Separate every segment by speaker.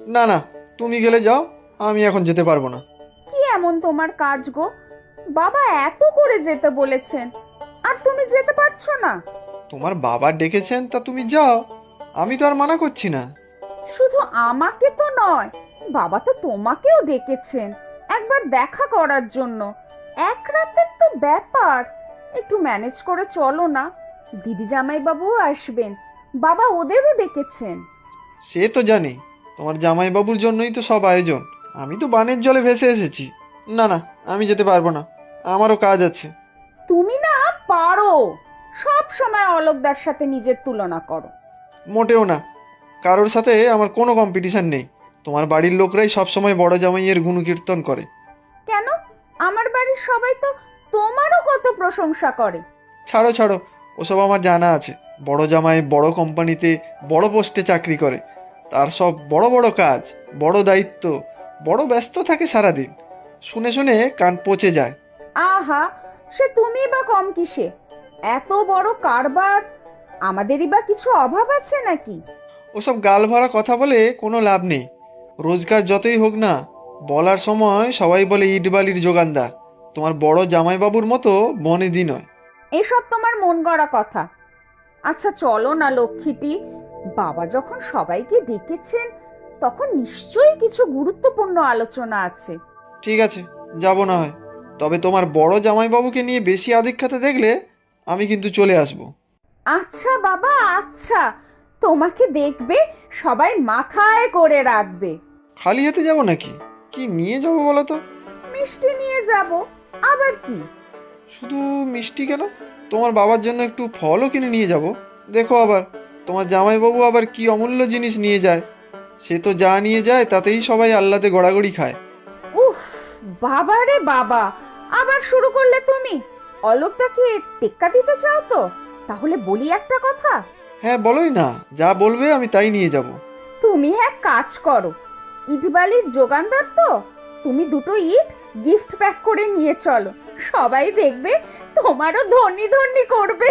Speaker 1: না না, তুমি গেলে যাও, আমি এখন যেতে পারবো না।
Speaker 2: কি এমন তোমার কাজ গো? বাবা এত করে যেতে বলেছেন, আর তুমি যেতে পারছো না?
Speaker 1: তোমার বাবা ডেকেছেন তা তুমি যাও, আমি তো আর মানা করছি না।
Speaker 2: শুধু আমাকে তো নয়, বাবা তো তোমাকেও ডেকেছেন একবার দেখা করার জন্য। এক রাতের তো ব্যাপার, একটু ম্যানেজ করে চলো না। দিদি জামাই বাবুও আসবেন, বাবা ওদেরও ডেকেছেন।
Speaker 1: সে তো জানি, তোমার জামাইবাবুর জন্যই তো সব আয়োজন। আমি তো বানের জলে ভেসে এসেছি। না না, আমি যেতে পারবো না, আমারও কাজ আছে।
Speaker 2: তুমি না পারো, সব সময় অলোকদার সাথে নিজের তুলনা করো।
Speaker 1: মোটেও না, কারোর সাথে আমার কোনো কম্পিটিশন নেই। তোমার বাড়ির লোকরাই সবসময় বড় জামাইয়ের গুণকীর্তন করে।
Speaker 2: কেন? আমার বাড়ির সবাই তো তোমারও কত প্রশংসা করে।
Speaker 1: ছাড়ো ছাড়ো, ওসব আমার জানা আছে। বড় জামাই বড় কোম্পানিতে বড় পোস্টে চাকরি করে, তার সব বড় বড় কাজ, বড় দায়িত্ব, বড় ব্যস্ত থাকে সারাদিন। শুনে শুনে কান পচে যায়।
Speaker 2: আহা, সে তুমি বা কম কিসে? এত বড় কারবার, আমাদেরই বা কিছু অভাব আছে নাকি?
Speaker 1: ওসব গাল ভরা কথা বলে কোনো লাভ নেই। রোজগার যতই হোক না, বলার সময় সবাই বলে ইট বালির যোগানদার। তোমার বড় জামাইবাবুর মতো বনেদি নয়।
Speaker 2: এসব তোমার মন গড়া কথা। আচ্ছা চলো না লক্ষ্মীটি, বাবা যখন সবাইকে ডেকেছেন, তখন নিশ্চয়ই কিছু গুরুত্বপূর্ণ আলোচনা আছে।
Speaker 1: ঠিক আছে, যাব না হয়। তবে তোমার বড় জামাইবাবুকে নিয়ে বেশি আধিক্যতা দেখলে আমি কিন্তু চলে আসব।
Speaker 2: আচ্ছা বাবা, আচ্ছা, তোমাকে দেখবে সবাই মাথায় করে রাখবে।
Speaker 1: খালি হাতে যাব নাকি? কি নিয়ে যাব বলো তো?
Speaker 2: মিষ্টি নিয়ে যাব, আবার কি?
Speaker 1: শুধু মিষ্টি কেন, তোমার বাবার জন্য একটু ফলও কিনে নিয়ে যাব। দেখো আবার, তোমার জামাইবাবু আবার কি অমূল্য জিনিস নিয়ে যায়। সে তো যা নিয়ে যায় তাতেই সবাই আহ্লাদে গড়াগড়ি খায়।
Speaker 2: উফ, বাবা রে বাবা, আবার শুরু করলে তুমি। অলোকটাকে টেক্কা দিতে চাও তো? তাহলে বলি একটা কথা।
Speaker 1: হ্যাঁ বলোই না, যা বলবে আমি তাই নিয়ে যাব।
Speaker 2: তুমি এক কাজ করো, ইট বালির যোগানদার তো, তুমি দুটো ইট গিফট প্যাক করে নিয়ে চলো, সবাই দেখবে তোমারও ধনী ধনী করবে।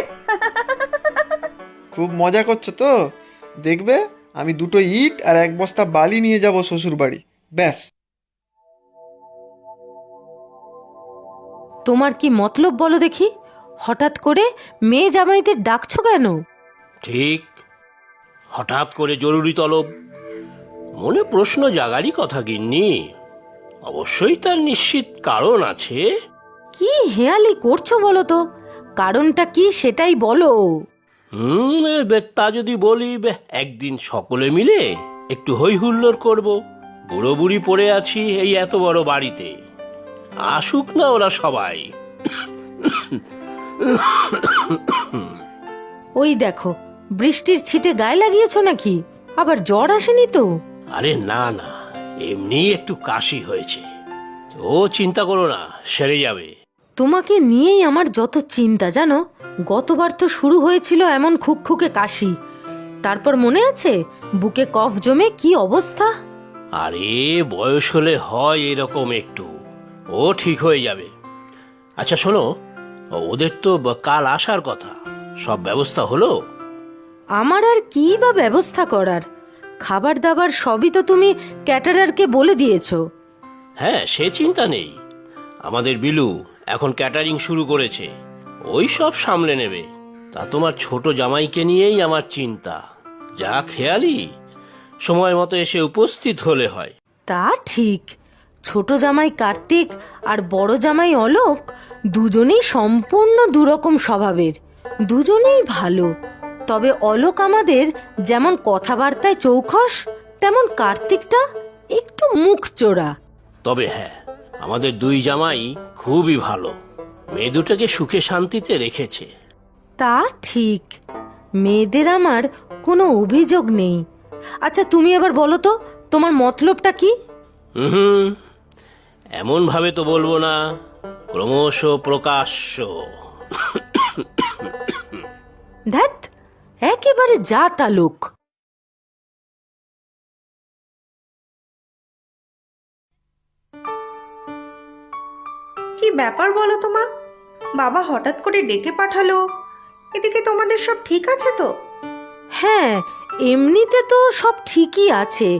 Speaker 1: খুব মজা করছো তো? দেখবে, আমি দুটো ইট আর এক বস্তা বালি নিয়ে যাব শ্বশুর বাড়ি, ব্যাস।
Speaker 3: তোমার কি মতলব বলো দেখি? হঠাৎ করে মেয়ে জামাইদের ডাকছো কেন?
Speaker 4: ঠিক, হঠাৎ করে জরুরি তলব, মনে প্রশ্ন জাগারই কথা গিন্নি। অবশ্যই তার নিশ্চিত কারণ আছে।
Speaker 3: কি হেয়ালি করছো বলো তো? কারণটা কি সেটাই বলো।
Speaker 4: তা যদি বলি, একদিন সকলে মিলে একটু হই হুল্লোড় করব। বুড়ো বুড়ি পড়ে আছি এই এত বড় বাড়িতে, আসুক না ওরা সবাই।
Speaker 3: ওই দেখো, বৃষ্টির ছিটে গায়ে লাগিয়েছো নাকি? আবার জ্বর আসেনি তো?
Speaker 4: আরে না না, এমনি একটু কাশি হয়েছে। ও চিন্তা করো না, সেরে যাবে।
Speaker 3: তোমাকে নিয়েই আমার যত চিন্তা জানো। গতবার তো শুরু হয়েছিল এমন খুকখুকে কাশি, তারপর মনে আছে বুকে কফ জমে কি অবস্থা।
Speaker 4: আরে বয়স হলে হয় এরকম একটু, ও ঠিক হয়ে যাবে। আচ্ছা শোনো, ওদের তো কাল আসার কথা, সব ব্যবস্থা হলো?
Speaker 3: আমার আর কি বা ব্যবস্থা করার? খাবার দাবার সবই তো তুমি ক্যাটারারকে বলে দিয়েছো।
Speaker 4: হ্যাঁ, সে চিন্তা নেই। আমাদের বিলু এখন ক্যাটারিং শুরু করেছে, ওই সব সামলে নেবে। তা তোমার ছোট জামাইকে নিয়েই আমার চিন্তা। যা খেয়ালি, সময় মতো এসে উপস্থিত হলে হয়।
Speaker 3: তা ঠিক, ছোট জামাই কার্তিক আর বড় জামাই অলোক দুজনেই সম্পূর্ণ দুরকম স্বভাবের, দুজনেই ভালো। তবে অলোক আমাদের যেমন কথাবার্তায় চৌখস, তেমন কার্তিকটা একটু মুখ চোরা।
Speaker 4: তবে হ্যাঁ, আমাদের দুই জামাই খুবই ভালো, মেয়ে দুটাকে সুখে শান্তিতে রেখেছে।
Speaker 3: তা ঠিক, মেয়েদের আমার কোনো অভিযোগ নেই। আচ্ছা তুমি এবার বলো তো, তোমার মতলবটা কি?
Speaker 4: হুম, এমন ভাবে তো বলবো না, ক্রমশ প্রকাশ্য।
Speaker 3: ধ্যাত, একেবারে যা তা লোক।
Speaker 5: কি ব্যাপার বলো তো মা? বাবা হঠাৎ করে ডেকে পাঠালো, এদিকে তোমাদের সব ঠিক আছে তো?
Speaker 3: হ্যাঁ, এমনিতে তো সব ঠিকই আছে,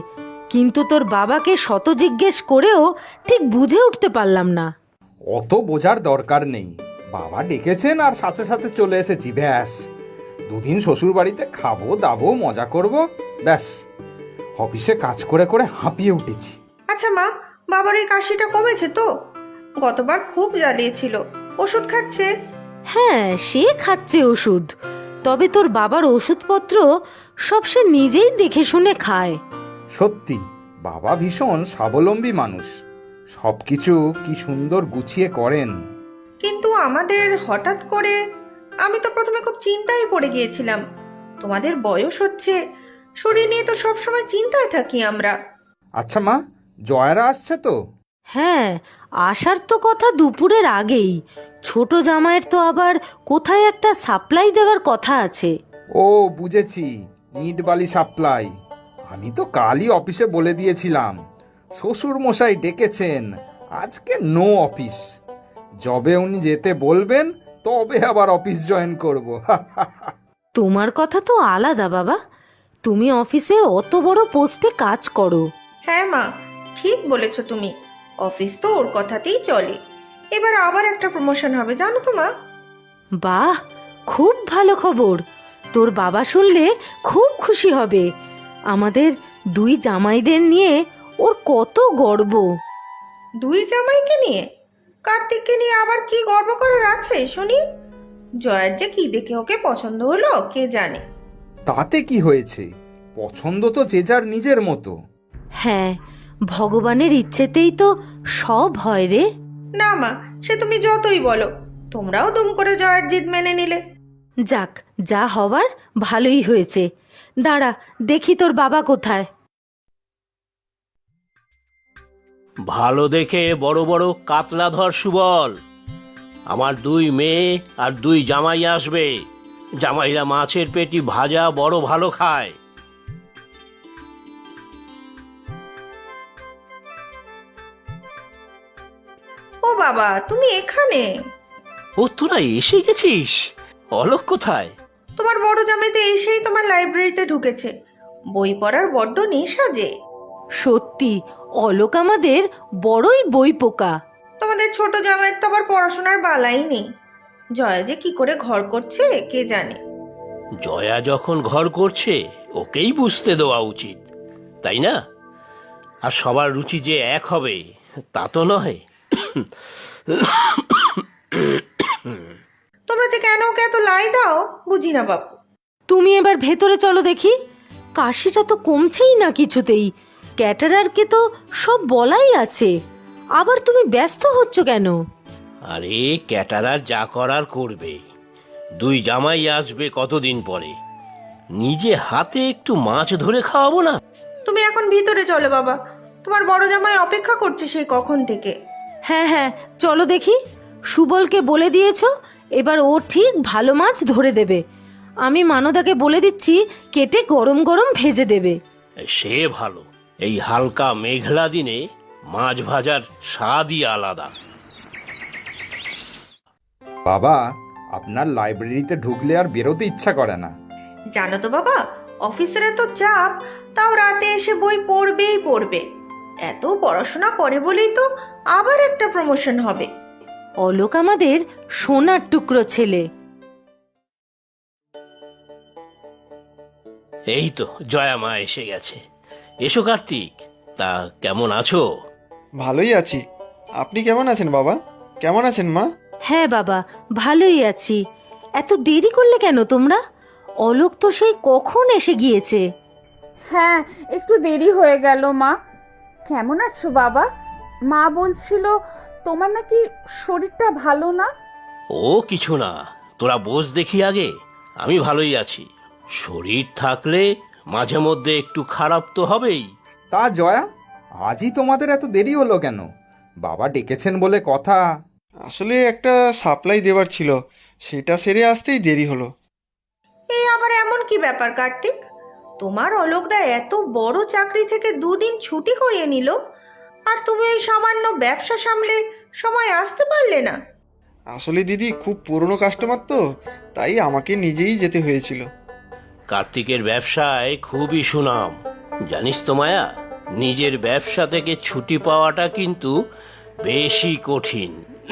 Speaker 3: কিন্তু তোর বাবাকে শত জিজ্ঞেস করেও ঠিক বুঝে উঠতে পারলাম না।
Speaker 6: অত বোঝার দরকার নেই, বাবা ডেকেছেন আর সাথে সাথে চলে এসেছি, ব্যাস। দুদিন শ্বশুর বাড়িতে খাবো দাবো মজা করব, ব্যাস। অফিসে কাজ করে করে হাঁপিয়ে উঠেছি।
Speaker 5: আচ্ছা মা, বাবার এই কাশিটা কমেছে তো? গতবার খুব জ্বালিয়েছিল, ওষুধ খাচ্ছে?
Speaker 3: হ্যাঁ, সে খাচ্ছে ওষুধ, তবে তোর বাবার ওষুধপত্র সব সে নিজেই দেখে শুনে খায়।
Speaker 6: সত্যি বাবা ভীষণ স্বাবলম্বী মানুষ, সবকিছু কি সুন্দর গুছিয়ে করেন।
Speaker 5: কিন্তু আমাদের হঠাৎ করে, আমি তো প্রথমে খুব চিন্তায় পড়ে গিয়েছিলাম। তোমাদের বয়স হচ্ছে, শরীর নিয়ে তো সবসময় চিন্তায় থাকি আমরা।
Speaker 6: আচ্ছা মা, জয়ারা আসছে তো?
Speaker 3: হ্যাঁ, আসার তো কথা দুপুরের আগেই। ছোট জামাইয়ের তো আবার কোথায় একটা সাপ্লাই দেওয়ার কথা আছে।
Speaker 6: ও বুঝেছি, ইট বালি সাপ্লাই। আমি তো কালই অফিসে বলে দিয়েছিলাম শ্বশুর মশাই ডেকেছেন, আজকে নো অফিস। যবে উনি যেতে বলবেন তবে আবার অফিস জয়েন করব।
Speaker 3: তোমার কথা তো আলাদা বাবা, তুমি অফিসের অত বড় পোস্টে কাজ করো।
Speaker 5: হ্যাঁ মা, ঠিক বলেছ তুমি। অফিস তো ওর কথাতেই চলে। এবার আবার একটা প্রমোশন হবে জানো তো মা।
Speaker 3: বাহ, খুব ভালো খবর। তোর বাবা শুনলে খুব খুশি হবে। আমাদের দুই জামাইদের নিয়ে ওর কত গর্ব।
Speaker 5: দুই জামাইকে নিয়ে? কার্তিককে নিয়ে আবার কি গর্ব করার আছে শুনি? জয়ার যে কি দেখে ওকে পছন্দ হলো কে জানে।
Speaker 6: তাতে কি হয়েছে, পছন্দ তো যে যার নিজের মতো।
Speaker 3: হ্যাঁ, ভগবানের ইচ্ছেতেই তো সব হয় রে।
Speaker 5: না মা, সে তুমি যতই বলো, তোমরাও দুম করে জয়ার জিদ মেনে নিলে।
Speaker 3: যাক, যা হবার ভালোই হয়েছে। দাঁড়া, দেখি তোর বাবা কোথায়।
Speaker 4: ভালো দেখে বড় বড় কাতলা ধর সুবল। আমার দুই মেয়ে আর দুই জামাই আসবে। জামাইরা মাছের পেটি ভাজা বড় ভালো খায়।
Speaker 5: ও বাবা, তুমি এখানে?
Speaker 4: ও, তোরা এসে গেছিস? অলোক কোথায়?
Speaker 5: তোমার বড় জামাই তো এসেই তোমার লাইব্রেরিতে ঢুকেছে। বই পড়ার বড্ড নেশা যে।
Speaker 3: সত্যি, অলোক আমাদের বড়ই বই পোকা।
Speaker 5: তোমাদের ছোট জামাইয়ের তো আবার পড়াশোনার বালাই নেই। জয়া যে কি করে ঘর করছে কে জানে।
Speaker 4: জয়া যখন ঘর করছে ওকেই বুঝতে দেওয়া উচিত, তাই না? আর সবার রুচি যে এক হবে তা তো নয়।
Speaker 5: তোমরা যে কেন ওকে এত লাই দাও বুঝি না বাপু।
Speaker 3: তুমি এবার ভেতরে চলো দেখি। কাশিটা তো কমছেই না কিছুতেই। ক্যাটারারকে তো সব বলাই আছে, আবার তুমি ব্যস্ত হচ্ছ কেন?
Speaker 4: আরে ক্যাটারার যা করার করবে। দুই জামাই আসবে কতদিন পরে, নিজে হাতে একটু মাছ ধরে খাওয়াবো না?
Speaker 5: তুমি এখন ভিতরে চলো বাবা, তোমার বড় জামাই অপেক্ষা করছে সেই কখন থেকে।
Speaker 3: হ্যাঁ হ্যাঁ, চলো দেখি। সুবলকে বলে দিয়েছো, এবার ও ঠিক ভালো মাছ ধরে দেবে। আমি মানদাকে বলে দিচ্ছি কেটে গরম গরম ভেজে দেবে।
Speaker 4: সে ভালো, এই হালকা মেঘলা দিনে মাছ ভাজার স্বাদই আলাদা।
Speaker 6: বাবা, আপনার লাইব্রেরিতে ঢুকলে আর বেরোতে ইচ্ছা করে না।
Speaker 5: জানো তো বাবা, অফিসের এত চাপ, তাও রাতে এসে বই পড়বেই পড়বে। এত পড়াশোনা করে বলেই তো আবার একটা প্রমোশন হবে।
Speaker 3: অলোক আমাদের সোনার টুকরো ছেলে।
Speaker 4: এই তো জয়া মা এসে গেছে। এসো কার্তিক, তা কেমন আছো?
Speaker 1: ভালোই আছি। আপনি কেমন আছেন বাবা? কেমন আছেন মা?
Speaker 3: হ্যাঁ বাবা, ভালোই আছি। এত দেরি করলে কেন তোমরা? অলোক তো সেই কখন এসে গিয়েছে।
Speaker 2: হ্যাঁ, একটু দেরি হয়ে গেল মা। কেমন আছো বাবা? মা বলছিল তোমার নাকি শরীরটা ভালো না।
Speaker 4: ও কিছু না, তোরা বোঝ দেখি আগে। আমি ভালোই আছি। শরীর থাকলে মাঝে মধ্যে একটু খারাপ তো হবেই।
Speaker 6: তা জয়া, আজই তোমাদের এত দেরি হলো কেন? বাবা ডেকেছেন বলে কথা।
Speaker 1: আসলে একটা সাপ্লাই দেওয়ার ছিল, সেটা সেরে আসতেই দেরি হলো।
Speaker 5: এই আবার এমন কি ব্যাপার কার্তিক? তোমার অলোকদা এত বড় চাকরি থেকে দুদিন ছুটি করিয়ে নিল, আর তুমি ওই সামান্য ব্যবসা সামলে সময় আসতে পারলে না?
Speaker 1: আসলে দিদি খুব পুরনো কাস্টমার তো, তাই আমাকে নিজেই যেতে হয়েছিল।
Speaker 4: কার্তিকের ব্যবসায় খুবই সুনাম, জানিস তো মায়া। নিজের ব্যবসা থেকে ছুটি পাওয়াটা কিন্তু বেশি কঠিন।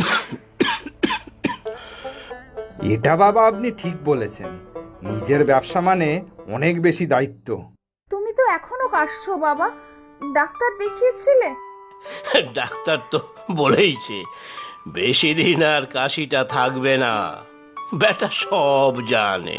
Speaker 6: এটা বাবা আপনি ঠিক বলেছেন, নিজের ব্যবসা মানে অনেক বেশি দায়িত্ব।
Speaker 2: তুমি তো এখনো কাশছো বাবা, ডাক্তার দেখিয়েছিলে?
Speaker 4: ডাক্তার তো বলেইছে বেশি দিন আর কাশিটা থাকবে না, বেটা সব জানে।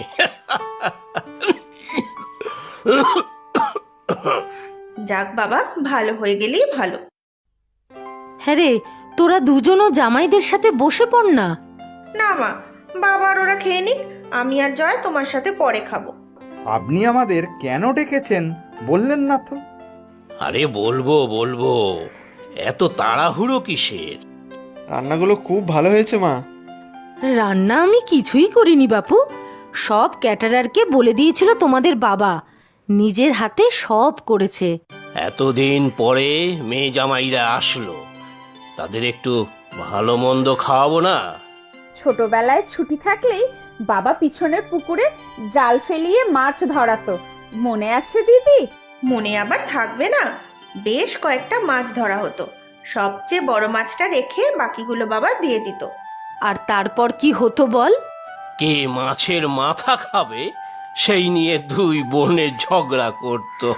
Speaker 5: যাক বাবা, ভালো হয়ে গেলেই ভালো।
Speaker 3: হ্যাঁ রে, তোরা দুজনও জামাইদের সাথে বসে পড় না।
Speaker 5: না মা, বাবা আর ওরা খেয়ে নিক, আমি আর জয় তোমার সাথে পরে খাবো।
Speaker 6: আপনি আমাদের কেন ডেকেছেন বললেন না তো?
Speaker 4: আরে বলবো বলবো, এত তাড়াহুড়ো কিসের?
Speaker 1: রান্নাগুলো খুব ভালো হয়েছে মা।
Speaker 3: রান্না আমি কিছুই করিনি বাপু, সব ক্যাটারারকে বলে দিয়েছিল তোমাদের বাবা, নিজের হাতে সব করেছে।
Speaker 4: এতদিন পরে মেয়ে জামাইরা আসলো, তাদের একটু ভালো মন্দ খাওয়াবো না?
Speaker 2: ছোটবেলায় ছুটি থাকলেই বাবা পিছনের পুকুরে জাল ফেলিয়ে মাছ ধরাতো, মনে আছে দিদি?
Speaker 5: মনে আবার থাকবে না? বেশ কয়েকটা মাছ ধরা হতো, সবচেয়ে বড় মাছটা রেখে বাকিগুলো বাবা দিয়ে দিত।
Speaker 3: আর তারপর কি হতো বল?
Speaker 4: কে মাছের মাথা খাবে সেই নিয়ে দুই বোনে ঝগড়া করতো।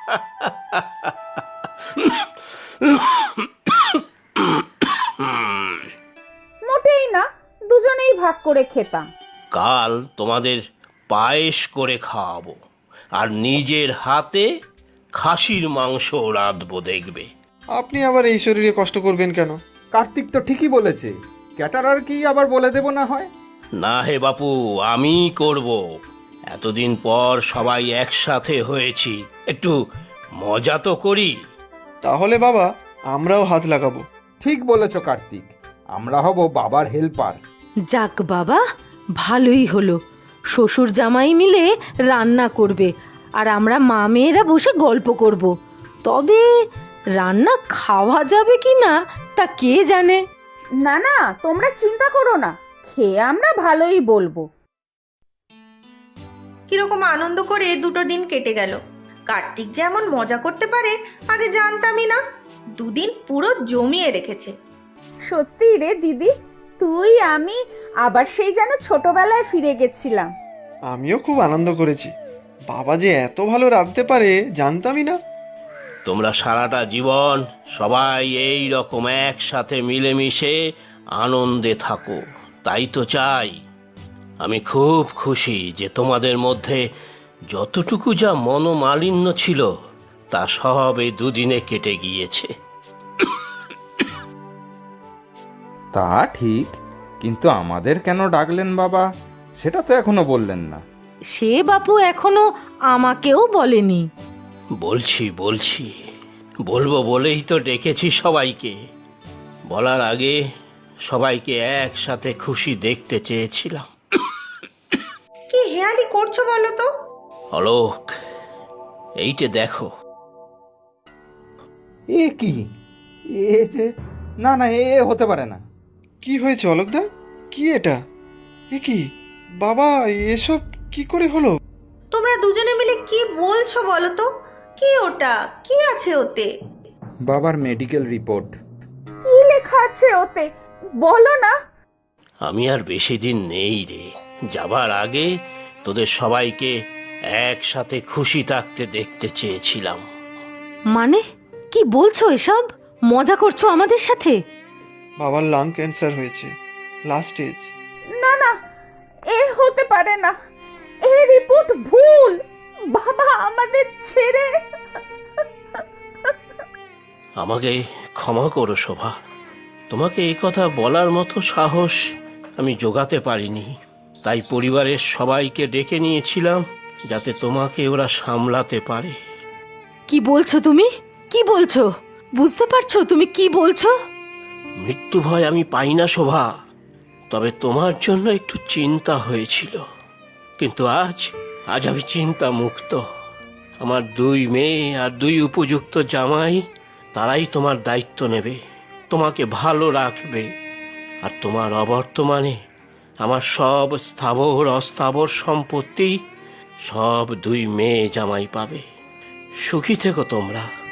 Speaker 2: মোটেই না, দুজনেই ভাগ করে খেতাম।
Speaker 4: কাল তোমাদের পায়েস করে খাওয়াবো, আর নিজের হাতে খাসির মাংস রাঁধবো, দেখবে।
Speaker 1: আপনি আবার এই শরীরে কষ্ট করবেন কেন?
Speaker 6: কার্তিক তো ঠিকই বলেছে, ক্যাটারার কি আবার বলে দেব না হয়?
Speaker 4: না হে বাপু, আমি করব। এতদিন পর সবাই একসাথে হয়েছি, একটু মজা তো করি।
Speaker 1: তাহলে বাবা আমরাও হাত লাগাবো।
Speaker 6: ঠিক বলেছ কার্তিক, আমরা হব বাবার হেল্পার।
Speaker 3: যাক বাবা, ভালোই হলো, শ্বশুর জামাই মিলে রান্না করবে আর আমরা মা মেয়েরা বসে গল্প করব। তবে রান্না খাওয়া যাবে কি না তা কে জানে।
Speaker 2: না না, তোমরা চিন্তা করো না, খেয়ে আমরা ভালোই বলবো।
Speaker 5: কিরকম আনন্দ করে দুটো দিন কেটে গেল। কার্তিক যেমন মজা করতে পারে আগে জানতামই না, দুদিন পুরো জমিয়ে রেখেছে।
Speaker 2: সত্যি রে দিদি, তুই আমি আবার সেই যেন ছোটবেলায় ফিরে গেছিলাম।
Speaker 1: আমিও খুব আনন্দ করেছি, বাবা যে এত ভালো রাঁধতে পারে জানতামই না।
Speaker 4: তোমরা সারাটা জীবন সবাই এই রকম একসাথে মিলেমিশে আনন্দে থাকো, তাই তো চাই। আমি খুব খুশি যে তোমাদের মধ্যে যতটুকু যা মনোমালিন্য ছিল তা সব এই দুদিনে কেটে গিয়েছে।
Speaker 6: তা ঠিক, কিন্তু আমাদের কেন ডাকলেন বাবা সেটা তো এখনো বললেন না।
Speaker 3: সে বাপু এখনো আমাকেও বলেনি।
Speaker 4: বলছি বলবো বলেই তো ডেকেছি সবাইকে। বলার আগে সবাইকে একসাথে খুশি দেখতে চেয়েছিলাম।
Speaker 5: কি হেয়ালি করছো বলো তো?
Speaker 4: অলোক, এইটে দেখো।
Speaker 6: এ কি, এ যে, না না, এ হতে পারে না।
Speaker 1: কি হয়েছে অলোকদা? কি এটা? এ কি বাবা, এসব কি করে হলো?
Speaker 5: তোমরা দুজনে মিলে কি বলছো বলো তো? কি ওটা, কি আছে ওতে?
Speaker 6: বাবার মেডিকেল রিপোর্ট।
Speaker 2: কি লেখা আছে ওতে বলো না।
Speaker 4: আমি আর বেশি দিন নেই রে, যাবার আগে তোদের সবাইকে একসাথে খুশি থাকতে দেখতে চেয়েছিলাম।
Speaker 3: মানে কি বলছো এসব? মজা করছো আমাদের সাথে?
Speaker 1: বাবার লাং ক্যান্সার হয়েছে, লাস্ট স্টেজ।
Speaker 2: না না, এ হতে পারে না, এই রিপোর্ট ভুল। বাবা আমাদের ছেড়ে।
Speaker 4: আমাকে ক্ষমা করো শোভা, তোমাকে এই কথা বলার মতো সাহস আমি জোগাতে পারিনি। তাই পরিবারের সবাইকে ডেকে নিয়েছিলাম যাতে তোমাকে ওরা সামলাতে পারে।
Speaker 3: কি বলছো তুমি? কি বলছো? বুঝতে পারছো তুমি কি বলছো?
Speaker 4: মৃত্যু ভয় আমি পাই না শোভা, তবে তোমার জন্য একটু চিন্তা হয়েছিল। কিন্তু আজ আমি চিন্তা মুক্ত। আমার দুই মেয়ে আর দুই উপযুক্ত জামাই, তারাই তোমার দায়িত্ব নেবে, তোমাকে ভালো রাখবে। আর তোমার অবর্তমানে আমার সব স্থাবর অস্থাবর সম্পত্তি সব দুই মেয়ে জামাই পাবে। সুখী থেকো তোমরা।